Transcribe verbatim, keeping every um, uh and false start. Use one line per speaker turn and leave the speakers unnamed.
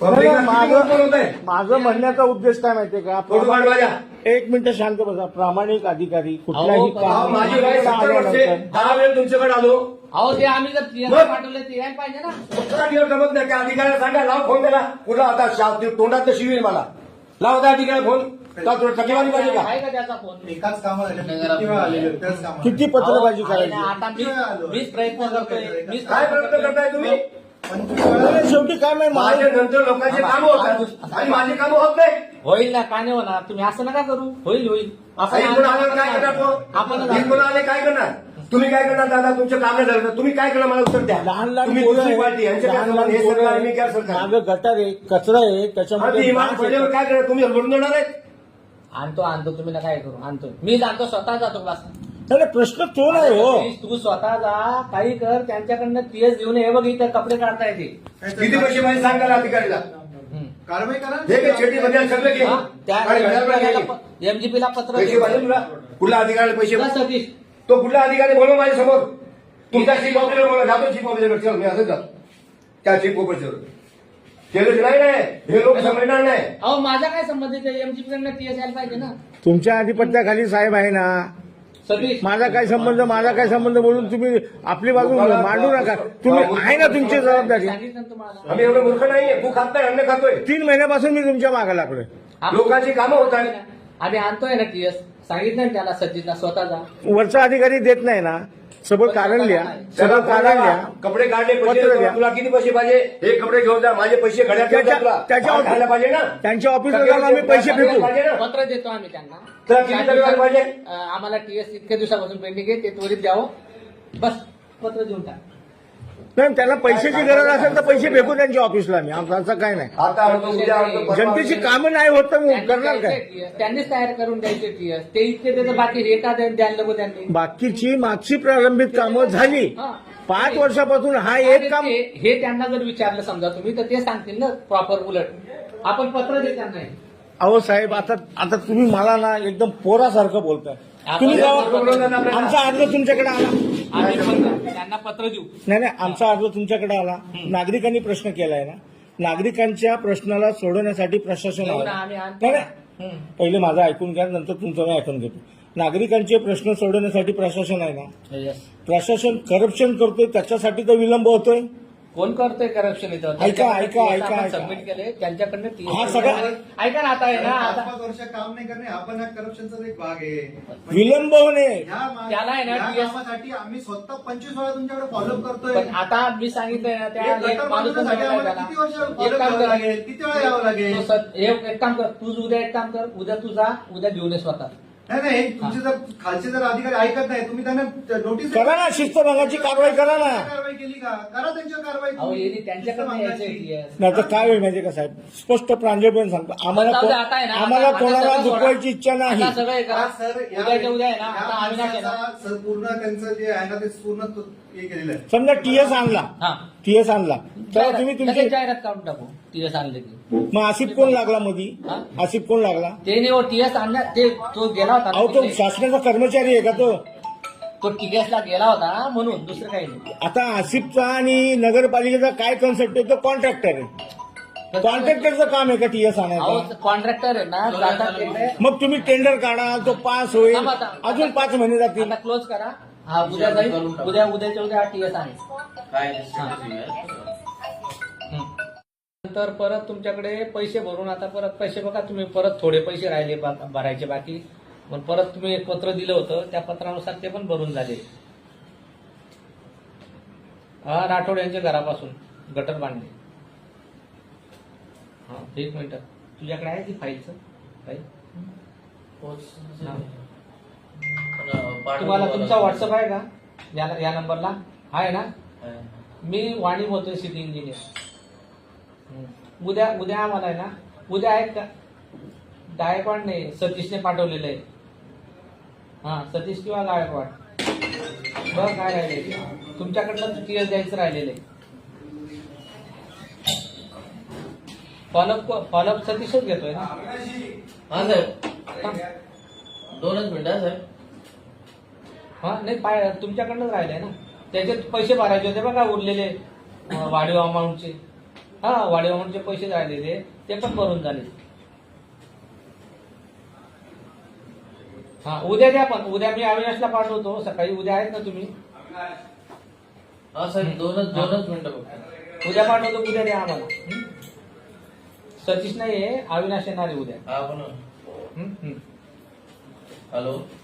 माझं म्हणण्याचा उद्देश काय माहितीये का, एक मिनिट शांत बसा. प्रामाणिक अधिकारी कुठल्याही
दहा वेळ तुमच्याकडे आलो.
अहो ते आम्ही जर पाठवले ते यायला पाहिजे ना.
कुठला दिवस जमत नाही. त्या अधिकाऱ्याला सांगा, लाव फोन त्याला. कुठला आता तोंडात तर शिवील मला. लाव त्या अधिकाऱ्याला फोन. टकेवारी पाहिजे का?
आहे का त्याचा फोन?
एकाच कामाला
किती पत्रबाजी करायची?
आता मी- मीच प्रयत्न करतोय. मीच
काय प्रयत्न करताय तुम्ही?
शेवटी काय माहिती,
माझ्या नंतर लोकांचे कामं होतात आणि माझी कामं होत नाही.
होईल ना, का नाही होणार? तुम्ही असं नका करू. होईल होईल.
काही कोण आल्यावर काय करणार तो?
आपण
काही कोण आले काय करणार? तुम्ही काय करणार दादा? तुमचं काम नाही झालं तर तुम्ही काय करणार? मला उत्तर द्या.
लहान लहान
तुम्ही
पोरं
दुसरी
आहेत,
पार्टी यांच्या काय
लहान
संबंध? हे
लहान
सरकार
पोरं
मी काय सरकार?
मागं गटार आहे, कचरा आहे,
आधी
त्याच्यामध्ये
इमान
डास
पडल्यावर
येतात.
काय करणार? तुम्ही लढून देणार आहेत?
आणतो आणतो तुम्ही नका हे करू. आणतो मी जातो, स्वतः जातो बस.
नाही, प्रश्न तो नाही हो.
तू स्वतः जा, काही कर. त्यांच्याकडनं टीएस घेऊन ये. बघ इथं कपडे काढता येते.
किती पैसे पाहिजे सांगा ना अधिकारीला.
कारवाई करा.
हे काय छेटी मध्ये सगळं घे. आणि घड्याळ घे.
एमजीपीला पत्र
पैसे पाहिजे तुला? कुठल्या अधिकाऱ्याला पैसे?
तुला सतीश
तो कुठला अधिकारी बोलव माझ्या समोर. तुमचा चीफ ऑफिसर बोला. जातो चीफ ऑफिसर. चल मी असंच जातो त्या चीफ ऑफिसर. केलं नाही नाही हे लोक समजणार नाही.
अहो माझा काय संबंध आहे? एमजीपी कडनं टीएस यायला पाहिजे ना.
तुमच्या आधिपत्याखाली साहेब आहे ना.
सतीश
माझा काय संबंध, माझा काय संबंध बोलून तुम्ही आपली बाजू मांडू नका. तुम्ही आहे ना तुमची जबाबदारी.
सांगितलं ना तुम्हाला.
आम्ही एवढं मूर्ख नाहीये. तू खात नाही, अन्न खातोय.
तीन महिन्यापासून मी तुमच्या मागे लागलोय.
लोकांची कामं होत आहेत.
आम्ही आणतोय ना टीएस. सांगितलं ना त्याला सतीशला स्वतः जा.
वरचा अधिकारी देत नाही ना. सगळं कारण लिहा, सगळं कारण लिहा.
कपडे काढले पैसे
पत्र द्या.
तुला किती पैसे पाहिजे? हे कपडे घेऊन जा. माझे पैसे घड्यात घेऊन जा तुला.
त्याच्या
भाव खायला पाहिजे ना.
त्यांच्या ऑफिसला जाऊन आम्ही पैसे फेकू.
पाहिजे ना.
पत्र देतो आम्ही त्यांना.
तुला किती तक्रार पाहिजे?
अं, आम्हाला टीएस इतक्या दिवसापासून पेंडिंग आहे, ते त्वरित द्यावं. बस पत्र देऊन टाक.
नाही, त्यांना पैशाची गरज असेल तर पैसे फेकू त्यांच्या ऑफिसला. मी आमचं असं काय नाही.
आता आणतो, उद्या आणतो, परवा
जनतेची
आणतो.
कामं नाही होत तर मग
त्यांनी
करणार
द्यायचे
काय?
टीएस. त्यांनीच तयार करून द्यायचे टीएस. ते इतके त्याचं बाकी हे का द्या- द्यायला नको त्यांनी.
बाकीची मागची प्रारंभिक कामं झाली.
हा.
पाच वर्षापासून हा एक काम.
ते- हे त्यांना जर विचारलं समजा तुम्ही, तर ते सांगतील ना प्रॉपर उलट. आपण पत्र देत त्यांना हे.
अहो साहेब, आता आता तुम्ही मला ना एकदम पोरासारखं बोलताय. तुम्ही जेव्हा आमचा अर्ज तुमच्याकडे आला,
आम्ही पत्र- त्यांना पत्र देऊ.
नाही नाही, आमचा अर्ज तुमच्याकडे आला. नागरिकांनी प्रश्न केलाय ना. नागरिकांच्या प्रश्नाला सोडवण्यासाठी प्रशासन
देऊ
आलं.
ना, आम्ही आणतो.
नाही नाही,
हं.
पहिले माझं ऐकून घ्या, नंतर तुमचं मी ऐकून घेतो. नागरिकांचे प्रश्न सोडवण्यासाठी प्रशासन आहे ना.
Yes.
प्रशासन करप्शन करतोय, त्याच्यासाठी तर विलंब होतोय.
कोण करतोय करप्शन इथं?
ऐका, ऐका, ऐका, ऐका.
सबमिट केले त्यांच्याकडनं ती-
हा सगळा-
ऐका ना आता आहे ना
पाच
आता
पाच वर्ष काम नाही करणे हा पण हा करप्शनचा एक भाग आहे.
विलंब होणे.
ह्या मा-
त्याला आहे ना,
ह्या
टी एस
कामासाठी आम्ही स्वतः पंचवीस वेळा तुमच्याकडे फॉलोअप करतोय.
पण आता मी सांगितलंय ना त्या
एक
एक
गटर
माणूस पण
बांधण्यासाठी
सांगितलंय
आम्हाला
त्याला.
किती वर्ष
एक
follow
काम
करावं
कर.
लागेल? किती वेळा यावं लागेल?
तो सत- एक एक काम कर. तू उद्या एक काम कर. उद्या तू जा. उद्या घेऊन ये स्वतः.
नाही नाही तुमचे जर खालचे जर अधिकारी ऐकत नाही तुम्ही त्यांना नोटीस
करा ना, शिस्तभंगाची कारवाई करा ना.
कारवाई केली का? करा त्यांच्यावर कारवाई.
अहो यांनी त्यांच्याकडनं यायचंय टी एस.
नाही तर काय होईल माहिती का साहेब, स्पष्ट प्रांजळपणे सांगतो, आम्हाला
जाऊ दे,
को-
आता आहे ना, आता-
आम्हाला
आता
कोणाला
सगळं सोडा.
दुखवायची इच्छा नाही.
आता सगळं हे करा.
हा, सर या-
उद्याच्या उद्या आहे ना
या
आता आम्ही नाही केलं.
माणसाचा सर पूर्ण त्यांचं जे आहे ना ते पूर्ण तो- हे केलेलं आहे.
समजा टीएस आणला,
हा
टीएस आणला तर तुम्ही तुमची
लगेच जाहिरात काढून टाकू. टीएस आणले की
मग आसिफ कोण लागला मधी?
हा?
आसिफ कोण लागला?
ते नाही हो टीएस आणला. ते तो गेला होता
अहो
ना
तो
तिकडे.
शासनाचा कर्मचारी आहे का तो?
तो टीएसला गेला होता म्हणून दुसरं काही नाही.
आता आसिफचा आणि नगरपालिकेचा काय कन्सेप्ट आहे? तो कॉन्ट्रॅक्टर आहे. कॉन्ट्रॅक्टरचं काम आहे का टीएस आणायचं?
अहो कॉन्ट्रॅक्टर आहे ना जातात तिकडे.
मग तुम्ही टेंडर काढा, तो पास होईल,
थांबा, थांबा.
अजून पाच महिने जातील.
आता क्लोज करा. हा उद्या जाईल. उद्या उद्याच्या उद्या टीएस आहे. नंतर परत तुमच्याकडे पैसे भरून आता परत पैसे बघा तुम्ही परत थोडे पैसे राहिले बा- भरायचे बाकी. पण परत तुम्ही एक पत्र दिलं होतं त्या पत्रानुसार ते पण भरून झाले. हा राठोड यांच्या घरापासून गटर बांधले. हा एक मिनिट तुझ्याकडे आहे ती फाईलचं फाईल? हा. तुम्हाला तुमचा व्हॉट्सअप आहे का या या नंबरला? आहे ना? मी वाणी बोलतोय सिटी इंजिनियर. उद्या उद्या आम्हाला आहे ना उद्या आहेत का? गायकवाड नाही सतीशने पाठवलेलं आहे. हा सतीश किंवा गायकवाड बघ काय राहिले तुमच्याकडनं टीएस द्यायचं राहिलेलं आहे. फॉलोअप फॉलोअप सतीशच घेतोय ना?
हा साहेब दोनच मिनिटं साहेब.
हा नाही पाय तुमच्याकडनंच राहिलंय ना. त्याचे पैसे भरायचे होते बघा उरलेले अं, वाढीव अमाऊंटचे. हा वाढीवाहूनचे पैसे राहिलेले ते पण भरून झाले. हा उद्या द्या, पण उद्या मी अविनाशला पाठवतो सकाळी. उद्या आहेत ना तुम्ही?
हा साहेब दोनच दोनच मिनिटं फक्त.
उद्या पाठवतो, उद्या द्या आम्हाला. हं? सतीश नाही आहे, अविनाश येणार आहे उद्या.
हा पण
हं? हं.
हॅलो